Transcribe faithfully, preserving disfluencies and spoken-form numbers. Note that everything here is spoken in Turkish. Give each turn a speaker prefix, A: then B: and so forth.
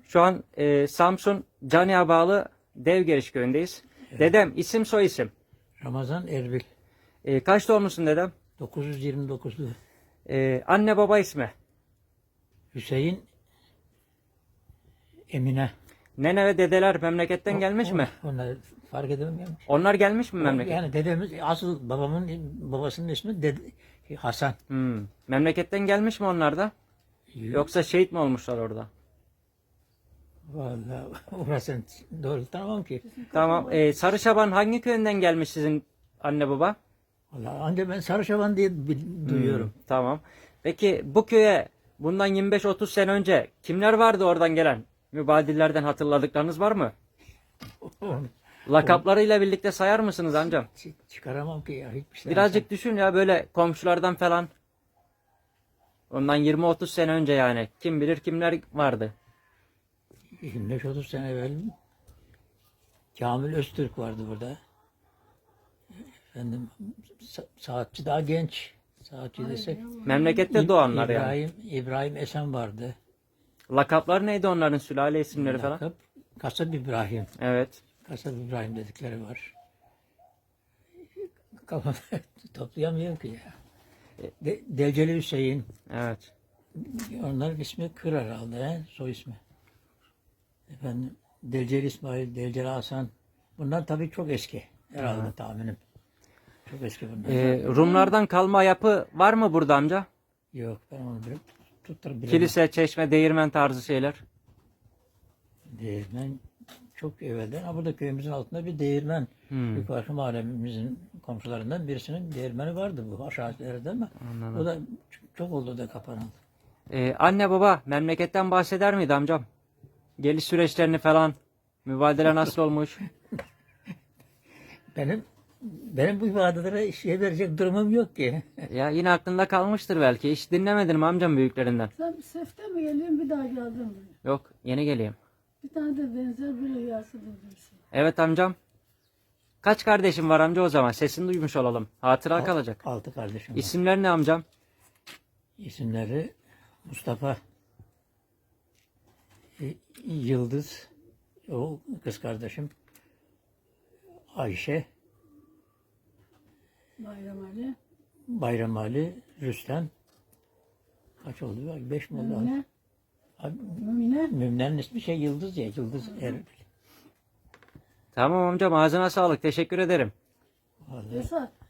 A: Şu an e, Samsun Cani'ye bağlı Devgeriş köyündeyiz.
B: Evet.
A: Dedem isim soy isim.
B: Ramazan Erbil.
A: E, kaç doğumlusun dedem?
B: dokuz yüz yirmi dokuzlu.
A: E, anne baba ismi.
B: Hüseyin Emine.
A: Nene ve dedeler memleketten gelmiş
B: O-
A: mi?
B: Onlar fark edemem gelmiş.
A: Onlar gelmiş mi memleket?
B: Yani dedemiz asıl babamın babasının ismi dede, Hasan.
A: Hmm. Memleketten gelmiş mi onlar da? Yoksa şehit mi olmuşlar orada?
B: Vallahi orasını doğru tanımam ki.
A: Tamam. E, Sarışaban hangi köyünden gelmiş sizin anne baba?
B: Vallahi ancak ben Sarışaban diye bil- duyuyorum.
A: Hmm, tamam. Peki bu köye bundan yirmi beş otuz sene önce kimler vardı oradan gelen? Mübadillerden hatırladıklarınız var mı?
B: Onu
A: Lakaplarıyla birlikte sayar mısınız amcam?
B: çı- çıkaramam ki ya hiçbir şey.
A: Birazcık düşün ya böyle komşulardan falan. Ondan yirmi otuz sene önce yani. Kim bilir kimler vardı.
B: yirmi beş otuz sene evvel Kamil Öztürk vardı burada. Efendim sa- saatçi daha genç. Saatçi desek.
A: Memlekette
B: İb-
A: doğanlar yani.
B: İbrahim, İbrahim Esen vardı.
A: Lakaplar neydi onların, sülale isimleri falan?
B: Lakap Kasap İbrahim.
A: Evet.
B: Kasap İbrahim dedikleri var. Kafamı toplayamıyorum ki ya. De, Delceli Hüseyin.
A: Evet.
B: Onların ismi Kır herhalde. He? Soy ismi. Efendim Delceli İsmail, Delceli Hasan. Bunlar tabii çok eski. Herhalde tahminim. Çok eski bunlar.
A: Ee, Rumlardan kalma yapı var mı burada amca?
B: Yok ben onu bir tuttur bilemem.
A: Kilise, çeşme, değirmen tarzı şeyler.
B: Değirmen çok evvelden. Ha, burada köyümüzün altında bir değirmen.
A: Hmm.
B: Yukarı mahallemizin komşularından birisinin değirmeni vardı bu aşağı ileride ama
A: Anladım.
B: o da çok, çok oldu da kapanıldı.
A: Ee, anne baba memleketten bahseder miydi amcam? Geliş süreçlerini falan. Mübadele nasıl olmuş?
B: Benim benim bu ifadelere şey verecek durumum yok ki.
A: Ya yine aklında kalmıştır belki. Hiç dinlemedin mi amcam büyüklerinden?
C: Sen bir sefte mi geliyorsun bir daha geldin mi?
A: Yok, yeni geleyim.
C: Bir tane de benzer bir rüyası bulursun.
A: Evet amcam. Kaç kardeşim var amca o zaman? Sesini duymuş olalım. Hatıra kalacak.
B: Altı kardeşim var.
A: İsimler ne amcam?
B: İsimleri Mustafa, Y- Yıldız, o kız kardeşim, Ayşe,
C: Bayram Ali.
B: Bayram Ali, Rüstem. Kaç oldu? Bak, Beş mi oldu?
C: Mümine.
B: Abi,
C: Mümine.
B: Mümne'nin ismi şey Yıldız ya. Yıldız Erbil.
A: Tamam amcam, ağzına sağlık. Teşekkür ederim.
B: Vallahi.
C: Esat.